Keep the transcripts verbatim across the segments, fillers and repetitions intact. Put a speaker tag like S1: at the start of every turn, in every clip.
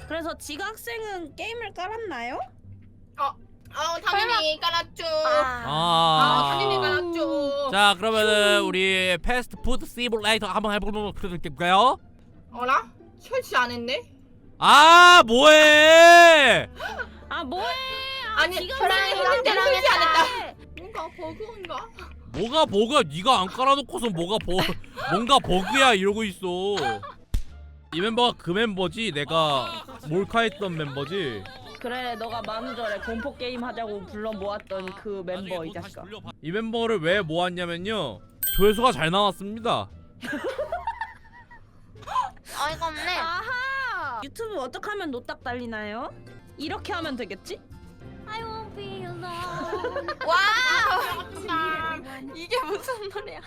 S1: 그래서 지각생은 게임을 깔았나요?
S2: 어, 어, 당연히 깔았죠.
S1: 아,
S2: 아,
S3: 아.
S2: 당연히 깔았죠.
S3: 자 그러면은 우리 패스트푸드 시뮬레이터 한번 해보도록 할게요.
S2: 어라? 설치 안 했네?
S3: 아 뭐해?
S1: 아 뭐해? 아,
S2: 아니,
S1: 지각생
S2: 했는데
S1: 안
S2: 설치 안
S1: 했다.
S2: 했다. 뭔가 버그인가?
S3: 뭐가 버그야? 네가 안 깔아놓고서 뭐가 버 뭔가 버그야 이러고 있어. 이 멤버가 그 멤버지? 내가 몰카했던 멤버지?
S1: 그래, 너가 만우절에 공포 게임 하자고 불러 모았던 그 멤버 이 자식아.
S3: 이 멤버를 왜 모았냐면요, 조회수가 잘 나왔습니다.
S4: 어이가 없네.
S1: 아하! 유튜브 어떻게 하면 노딱 달리나요? 이렇게 하면 되겠지?
S4: I won't be alone.
S2: 와!
S4: 이게 무슨 노래야?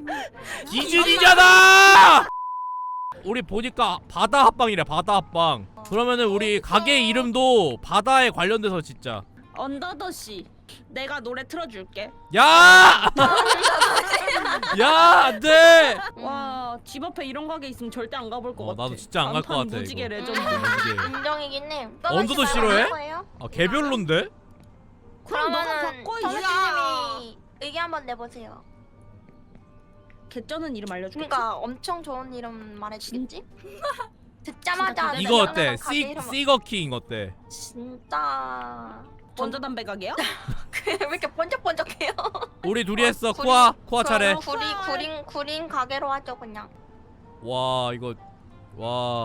S3: 기준이잖아! 우리 보니까 바다 합방이래. 바다 합방. 그러면은 우리 가게 이름도 바다에 관련돼서 진짜.
S1: 언더더씨, 내가 노래 틀어줄게.
S3: 야! 야, 안돼!
S1: 와, 집 앞에 이런 가게 있으면 절대 안 가볼 것
S3: 어,
S1: 같아.
S3: 나도 진짜 안 갈 것
S1: 간판
S3: 같아,
S1: 무지개
S3: 이거.
S1: 레전드.
S3: 무지개.
S4: 인정이긴 해.
S3: 언더도 싫어해? 아, 개별론데?
S1: 그럼 너가
S4: 그러면은
S1: 바꿔, 이
S4: 정수님이 의견 한번 내보세요.
S1: 개쩌는 이름 알려줄게.
S4: 그러니까 엄청 좋은 이름 말해주겠지? 듣자마자
S1: 진짜
S3: 이거
S4: 생각나는
S3: 어때?
S4: 가게
S3: 시,
S4: 이름.
S3: 시거킹 어때?
S4: 진짜
S1: 전자담배 가게야?
S4: 왜 이렇게 번쩍번쩍해요?
S3: 우리 둘이
S4: 어,
S3: 했어.
S4: 구리-
S3: 코아, 코아 차례.
S4: 구리 구린 구린 가게로 하죠 그냥.
S3: 와, 이거 와.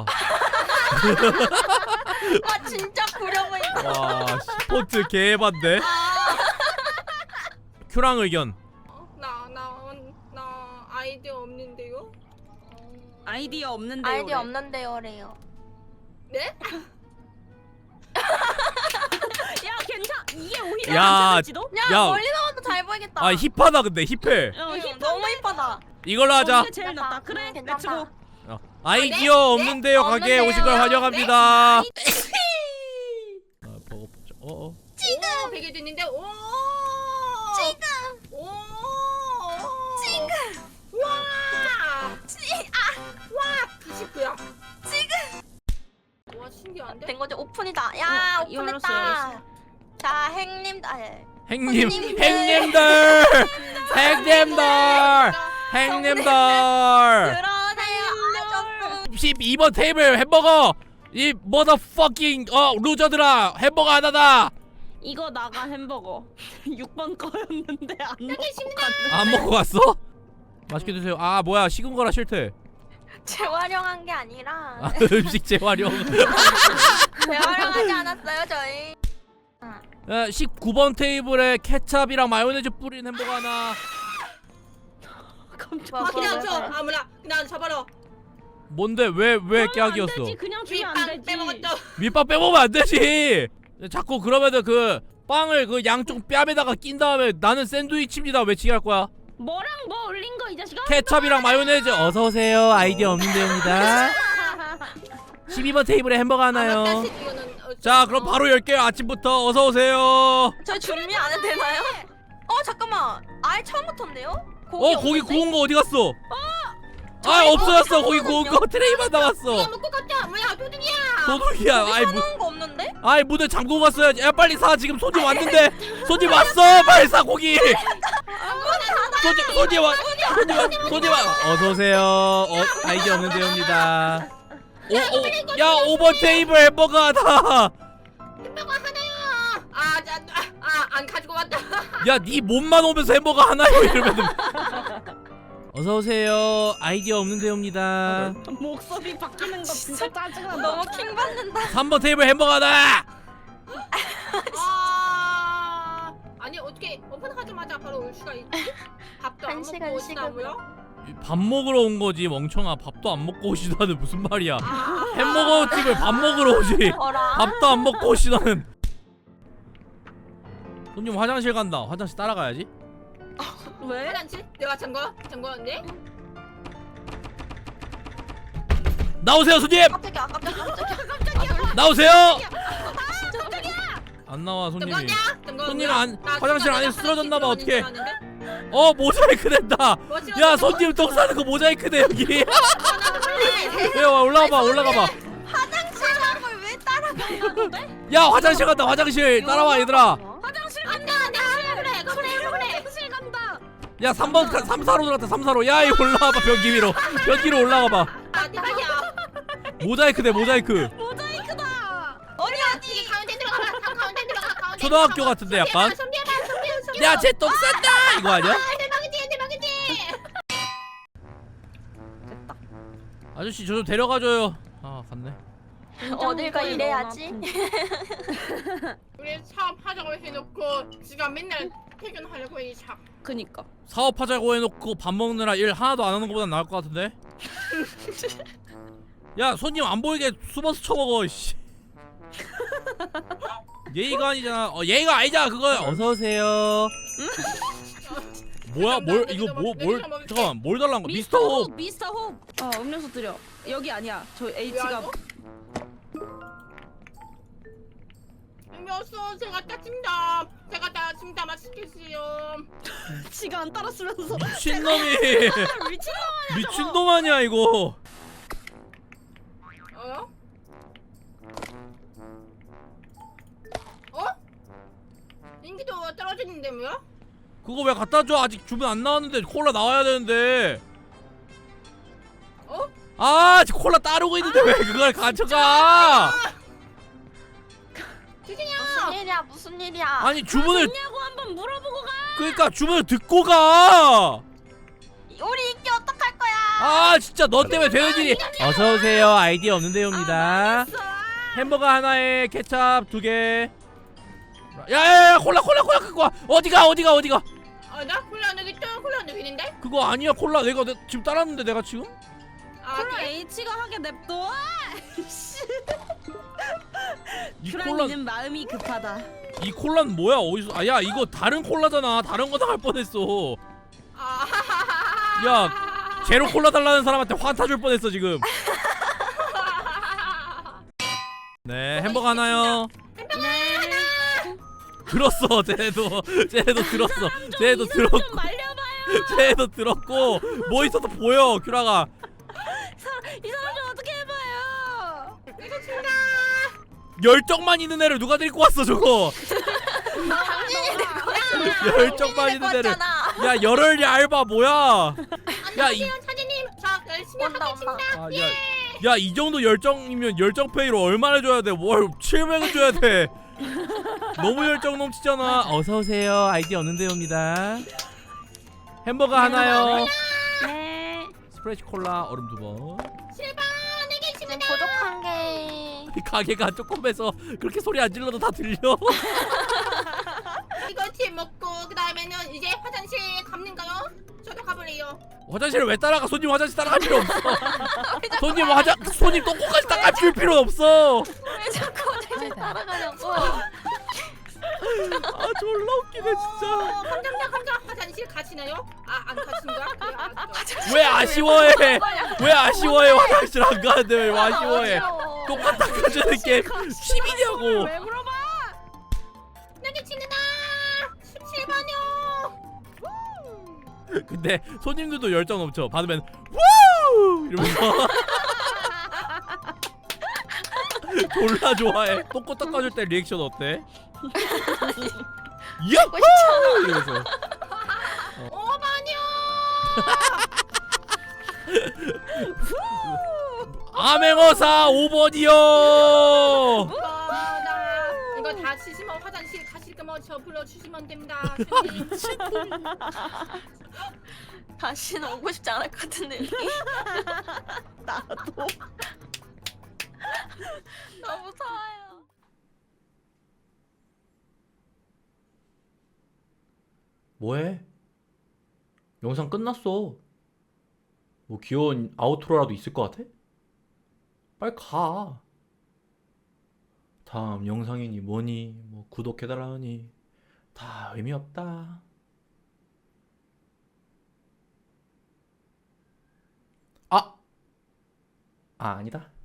S4: 아 진짜 구려 보인다.
S3: 와, 스포츠 개반데. 큐랑 의견.
S2: 나, 나, 나 아이디어 없는데요?
S1: 아이디어 없는데.
S4: 아이디어 없는데요래요.
S2: 네?
S1: 야, 괜찮. 이게 오히려
S3: 야,
S1: 괜찮을지도?
S4: 야,
S3: 야.
S4: 멀리 나와도 잘 보이겠다.
S3: 아, 힙하다 근데 힙해.
S1: 어,
S4: 응,
S1: 힙
S4: 너무 이쁘다.
S3: 이걸로 하자.
S1: 이게 제일 낫다. 그래,
S4: 응, 괜찮다.
S1: 렛츠고.
S3: 어. 아이디어
S2: 네?
S3: 없는데요.
S4: 네?
S3: 가게에 오신 걸
S4: 없는데요?
S3: 환영합니다. 아, 버거 뽑자. 어, 어.
S2: 지금! 베개 됐는데, 오!
S4: 지금
S2: 오!
S4: 지금
S2: 와!
S4: 지 아
S2: 와! 구십구야.
S4: 지금
S2: 와, 신기한데?
S4: 된 거지. 오픈이다. 야
S1: 어, 열렸어,
S4: 오픈했다.
S1: 열렸어.
S4: 자 행님 아 예.
S3: 행님,
S4: 손님들.
S3: 행님들, 행님들, 행님들.
S4: 들어오세요. 아저씨.
S3: 십이 번 테이블 햄버거. 이 motherfucking 어 루저들아, 햄버거 하나다.
S1: 이거 나가 햄버거. 육 번 거였는데 안 먹고 갔네.
S3: 안 먹고 갔어? 맛있게 드세요. 아 뭐야, 식은 거라 싫대.
S4: 재활용한 게 아니라
S3: 아, 음식 재활용.
S4: 재활용하지 않았어요 저희.
S3: 야, 십구 번 테이블에 케찹이랑 마요네즈 뿌린 햄버거 하나.
S1: 깜짝.
S2: 아,
S4: 뭐,
S2: 그냥
S4: 뭐,
S2: 줘.
S4: 뭐.
S2: 아무나. 그냥 줘봐라.
S3: 뭔데? 왜 왜 깨악이었어?
S1: 안 되지. 그냥 주면 안
S2: 윗빵
S1: 되지.
S2: 빼먹었죠.
S3: 밑밥 빼먹으면 안 되지. 자꾸 그러면은 그 빵을 그 양쪽 뺨에다가 낀 다음에 나는 샌드위치입니다 외치게 할 거야.
S1: 뭐랑 뭐 올린 거 이 자식아?
S3: 케찹이랑 마요네즈. 어서 오세요. 아이디어 없는데요입니다. 십이 번 테이블에 햄버거 하나요.
S2: 아, 맞다. 이거는 어,
S3: 자,
S2: 어.
S3: 그럼 바로 열게요. 아침부터 어서 오세요.
S4: 저희 준비 안 해도 되나요? 어 잠깐만. 아예 처음부터인데요?
S3: 어, 고기
S4: 없는데?
S3: 구운 거 어디 갔어? 아, 없어졌어. 고기 구운 거 트레이만
S2: 야,
S3: 남았어.
S2: 먹고 갔다. 뭐야, 도둑이야.
S3: 도둑이야. 아이 무,
S4: 사놓은 거 없는데?
S3: 아이 문을 잠그고 갔어야지. 야, 빨리 사. 지금 손님 왔는데. 손님 왔어. 빨리 사 고기. 손님 손님 와. 손님 와. 손님 와. 어서 오세요. 어, 아이디어 없는데요입니다. 오, 오, 야, 오 번 테이블 햄버거 하나.
S2: 햄버거 하나요. 아, 자, 아, 아, 안 가지고 왔다.
S3: 야, 네 몸만 오면서 햄버거 하나요 이러면은. 어서 오세요. 아이디어 없는데요입니다.
S1: 목소리 바뀌는 거 진짜 짜증나.
S4: 너무 킹 받는다.
S3: 삼 번 테이블 햄버거 하나.
S2: 아, 아니 어떻게 오픈하자마자 바로 올 수가 있지? 밥도 안
S4: 한
S2: 먹고
S4: 시간
S2: 오시나고요?
S3: 밥 먹으러 온 거지 멍청아. 밥도 안 먹고 오시다는 무슨 말이야.
S2: 아,
S3: 햄버거 집을 밥 먹으러 오지.
S4: 어라.
S3: 밥도 안 먹고 오시다는. 손님 화장실 간다. 화장실 따라가야지.
S1: 왜?
S2: 화장실? 내가 잠궈? 잠궈왔네?
S3: 나오세요 손님.
S4: 깜짝이야 깜짝이야 깜짝이야.
S3: 나오세요.
S4: 진짜 깜짝이야.
S3: 안 나와 손님이.
S2: 잠궜냐? 잠궜냐?
S3: 손님 안-
S2: 나
S3: 화장실 안에
S2: 화장실
S3: 쓰러졌나 봐, 어떡해.
S2: 들어갔는데?
S3: 어, 모자이크 된다.
S2: 뭐
S3: 야,
S2: 싫어졌어?
S3: 손님 똥 싸는 거 모자이크 돼 여기.
S2: 아, 나도 볼래.
S3: 야, 와, 올라가 봐. 올라가 봐.
S4: 화장실 한걸 왜 따?
S3: 야 화장실 간다 화장실 따라와 얘들아.
S1: 화장실
S2: 안돼 안돼 그래 그래 그래.
S1: 화장실 간다.
S3: 야 삼 번 삼 사로 들어갔다 삼 사로. 야 이거 올라와봐 변기 위로. 변기 위로 올라가봐.
S2: 마지막이야.
S3: 모자이크 돼 모자이크.
S1: 모자이크다.
S2: 어디 어디 가운데 들어가. 다 가운데 들어가. 가운데.
S3: 초등학교
S2: 들어가.
S3: 같은데 약간.
S2: 손대봐 손대봐 손대봐.
S3: 야 쟤 똥 싼다 이거 아니야?
S2: 아 대박이지 대박이지.
S3: 아저씨 저 좀 데려가줘요. 아 갔네.
S4: 어딜 가 이래야지.
S2: 우리 사업하자고 해놓고 지가 맨날 퇴근하려고 이 차.
S1: 그니까.
S3: 사업하자고 해놓고 밥 먹느라 일 하나도 안 하는 것보단 나을 것 같은데? 야 손님 안 보이게 숨어서 쳐먹어 씨. 예의가 아니잖아. 어 예의가 아니잖아 그거. 어서 오세요. 뭐야 뭘 이거 뭐 뭘 잠깐만 뭘 달란 거? 미스터 홉.
S1: 미스터 홉. 어 음료수 드려. 여기 아니야. 저 H가
S2: 음료수 제가 따집니다. 제가 따집니다. 맛있겠어요.
S1: 지가 안 따랐으면서.
S3: 미친놈이.
S1: 미친놈.
S3: 미친놈 아니야 이거.
S2: 어? 어? 인기도 떨어지는데 뭐야?
S3: 그거 왜 갖다 줘? 아직 주문 안 나왔는데 콜라 나와야 되는데.
S2: 어?
S3: 아 지금 콜라 따르고 있는데 왜 그걸 가져가?
S2: 주진이야.
S4: 무슨 일이야 무슨 일이야.
S3: 아니 주문을
S1: 냐고 한번 물어보고 가.
S3: 그러니까 주문을 듣고 가.
S4: 우리 인기 어떡할 거야.
S3: 아 진짜 너 때문에 되는 일이. 어서 오세요. 아이디어 없는데요입니다. 햄버거 하나에 케찹 두 개. 야야야 콜라 콜라 콜라 그거 어디가 어디가 어디가?
S2: 아 나 콜라 안 되겠다. 콜라 안 되겠는데?
S3: 그거 아니야 콜라 내가 내, 지금 따랐는데 내가 지금?
S2: 아
S1: 콜라
S2: 그래?
S1: H가 하게 냅둬.
S3: 이 콜라
S1: 큐라니는 마음이 급하다.
S3: 이 콜라는 뭐야 어디서? 아야 이거 다른 콜라잖아. 다른 거 나갈 뻔했어.
S2: 아.
S3: 야 제로 콜라 달라는 사람한테 환타 줄 뻔했어 지금. 네 햄버거 하나요.
S1: 네.
S3: 들었어 쟤네도 쟤네도 들었어. 쟤네도 들었고
S1: 좀 말려봐요.
S3: 쟤네도 들었고 뭐 있어도 보여 큐라가.
S1: 이 사람 좀 어떻게 해봐요.
S2: 내가 친다.
S3: 열정만 있는 애를 누가 데리고 왔어 저거.
S4: 당신이 내 거야.
S3: 열정만 있는 애를.
S4: 거잖아.
S3: 야 열혈이 알바 뭐야? 야 이
S2: 안녕하세요 차진님. 저 열심히
S4: 온다,
S2: 하겠습니다.
S3: 아, 야, 야, 이 정도 열정이면 열정 페이로 얼마나 줘야 돼? 뭘 칠백을 줘야 돼? 너무 열정 넘치잖아. 어서 오세요. 아이디어 없는데요입니다. 햄버거 하나요.
S1: 네.
S3: 스프레시 콜라 얼음 두 번.
S2: 실버 내게
S4: 지금
S2: 친구다.
S4: 부족한 게.
S3: 가게가 조금해서 그렇게 소리 안 질러도 다 들려.
S2: 이거 팀 먹고 그 다음에는 이제 화장실 갑는가요? 저도 가볼래요.
S3: 화장실을 왜 따라가? 손님 화장실 따라갈 필요 없어. 손님 화장 손님 똥꼬까지 닦아 줄 필요 없어.
S4: 왜 자꾸 화장실 따라가냐고.
S3: 아 졸라 웃기네 진짜.
S2: 어, 감자입니다 감자. 화장실 가시나요? 아 안 가시는 거야? 그래 알았어.
S3: 왜 아쉬워해? 왜 아쉬워해? 화장실 안 가는데 왜 아쉬워해?
S4: 어지러워.
S3: 똥꼬 닦아주는 게 힘이냐고.
S1: 왜 물어봐?
S2: 내게 친구다. 십칠 번이요.
S3: 근데 손님들도 열정 넘쳐. 받으면 우 이러면서 졸라 좋아해. 똥꼬 닦아줄 때 리액션 어때? 야호! 이러면서.
S2: 오 번이요.
S3: 암행어사 오 번이요.
S2: 이거다. 이거 다 치시면 화장실 가실 거면 저 불러주시면 됩니다. 손님.
S4: 다시는 오고 싶지 않을 것 같은데.
S1: 나도.
S4: 너무 무서워요.
S3: 뭐해? 영상 끝났어. 뭐 귀여운 아우트로라도 있을 것 같아? 빨리 가. 다음 영상이니 뭐니 뭐 구독해달라니 다 의미 없다. 아! 아 아니다.